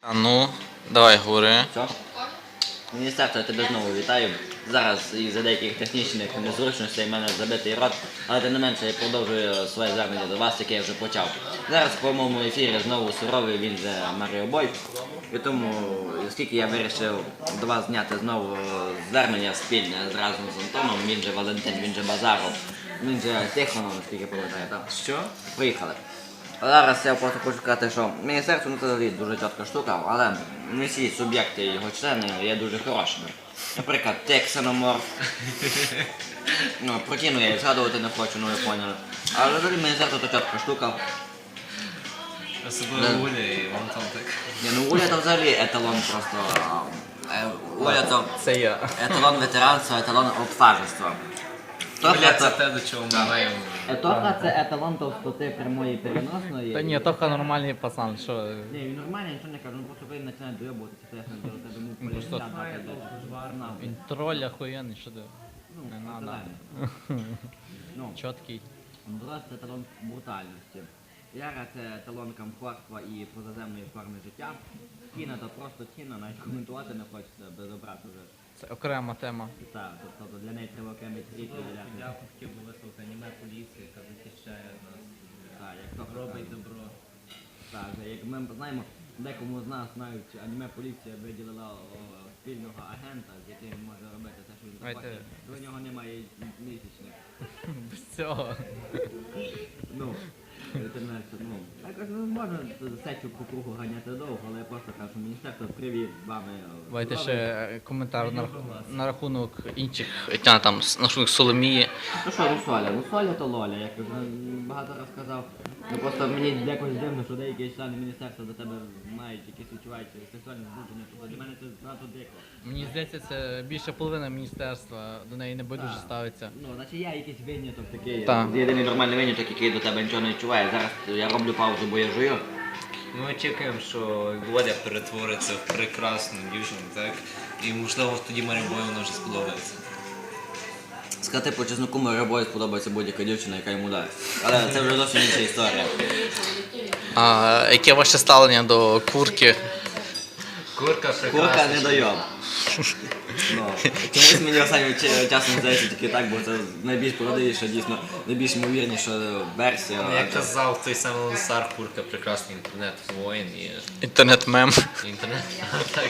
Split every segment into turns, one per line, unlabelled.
А ну, давай говори.
Що? Міністерство, я тебе знову вітаю. Зараз із-за деяких технічних незручностей в мене забитий рот, але тим не менше я продовжую своє звернення до вас, яке я вже почав. Зараз по моєму ефірі знову суровий, він же Маріо Бой. І тому, оскільки я вирішив до вас зняти знову звернення спільне разом з Антоном, він же Валентин, він же Базаров, він же Тихонов, наскільки пам'ятаю, так?
Що?
Поїхали. Зараз я просто хочу сказати, що міністерство це взагалі дуже чітка штука, але не всі суб'єкти його члени є дуже хорошими. Наприклад, ти ксеноморф. Ну, про кіно я і згадувати не хочу, ну ви поняли. Але взагалі міністерство це чітка штука.
Особливо Уля і Антон так.
Ні, ну Уля то взагалі еталон просто. Уля то
Це я.
еталон ветеранства, еталон обсажества.
Уля це те, до чого ми маємо.
Етоха це еталон товстоти прямої переносної.
Та ні, Тоха нормальний пацан, що.
Ні, він нормальний, нічого не кажу, ну просто він починає доєбуватися, то я не до тебе мов
просто-
політика.
Він троль охуєнний, що ти.
Ну,
Не надо.
натурально. Ну,
Чіткий.
Дрозд це талон брутальності. Яра це талон комфортства і позаземної форми життя. Тіна то просто тіна, навіть коментувати не хочеться без обрати вже.
Це окрема тема.
Так, тобто для неї треба окремий тріт виділяти.
Я хотів би висловити аніме поліції, яка захищає нас,
Так, як то
робить добро.
Так, як ми знаємо, декому з нас навіть аніме поліція виділила спільного агента, з яким він може робити те, що він
Давайте.
захоче. До нього немає місячних.
Без цього.
Ну, ну, якось не можна сечу по кругу ганяти довго, але я просто кажу, міністерство привів вами.
Давайте ще коментар на рахунок інших там, на рахунок Соломії.
Ну що, Русоля? Русоля то Лоля, як я вже багато раз казав. Ну просто мені якось дивно, що деякі члени міністерства до тебе мають якісь відчувають сексуальне збудження. Тобто для мене це занадто дико.
Мені здається, це більше половина міністерства до неї не байдуже
Так.
ставиться.
Ну, значить я якийсь виняток такий.
Так.
Єдиний нормальний виняток, який до тебе нічого не відчуває. Зараз я роблю паузу, бо я жую.
Ми очікуємо, що Володя перетвориться в прекрасну дівчину, так? І можливо тоді Марі Бою вона вже сподобається.
Сказати по чесноку, Марибою сподобається будь-яка дівчина, яка йому дасть. Але це вже зовсім інша історія.
А яке ваше ставлення до курки?
Курка прекрасна.
Курка не дойоб. Ну, чомусь мені останнім часом здається тільки так, бо це найбільш правдивіша, дійсно, найбільш ймовірніша версія.
Як казав той самий Лансар, курка прекрасний інтернет-воїн і
Інтернет-мем.
інтернет. Так.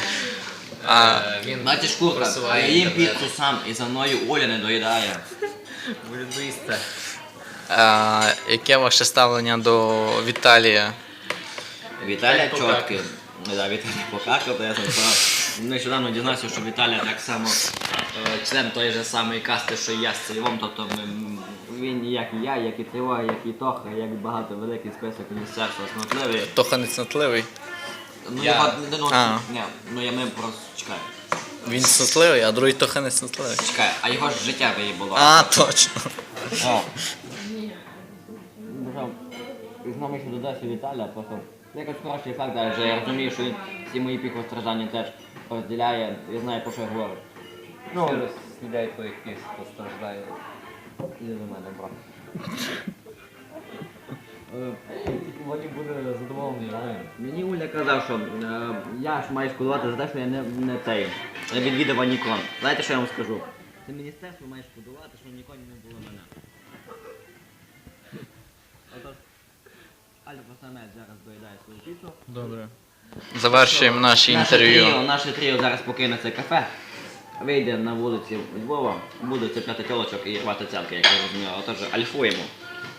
Він
Бачиш, курка, я
просуває
їм
інтернет.
піцу сам і за мною Оля не доїдає.
Волюбиста.
Яке ваше ставлення до Віталія?
Віталія
Покакав.
чоткий. Да, Віталій покакав, то я там нещодавно дізнався, що Віталія так само член тої ж самої касти, що і я з Цільвом, тобто він як і я, як і Цільво, як і Тоха, як багато великий список міністерства смотливий.
Тоха нецнотливий.
Ну,
Я-
його, ну,
А.
ні, ну я ми просто чекай.
Він цнотливий, а другий Тоха нецнотливий.
Чекай, а його ж життя виїбало.
А, точно.
О. Знову ще додався Віталя, просто якось хороший факт, адже я розумію, що він всі мої піхостраждання теж розділяє і знає, про що я говорю.
Всі розслідяють твоїх піс, постраждає.
Іди до мене, брат.
Володя буде задоволений, але...
Мені Уля казав, що я ж маю шкодувати за те, що я не відвідав Анікон. Знаєте, що я вам скажу? Це міністерство має шкодувати, що в Ніконі не було мене. Отож, Альфа Самець зараз доїдає свою піцу.
Добре. Завершуємо наше інтерв'ю.
Наше тріо зараз покине це кафе, вийде на вулиці Львова, буде цепляти тілочок і рвати цялки, як я розумію. Отож, альфуємо.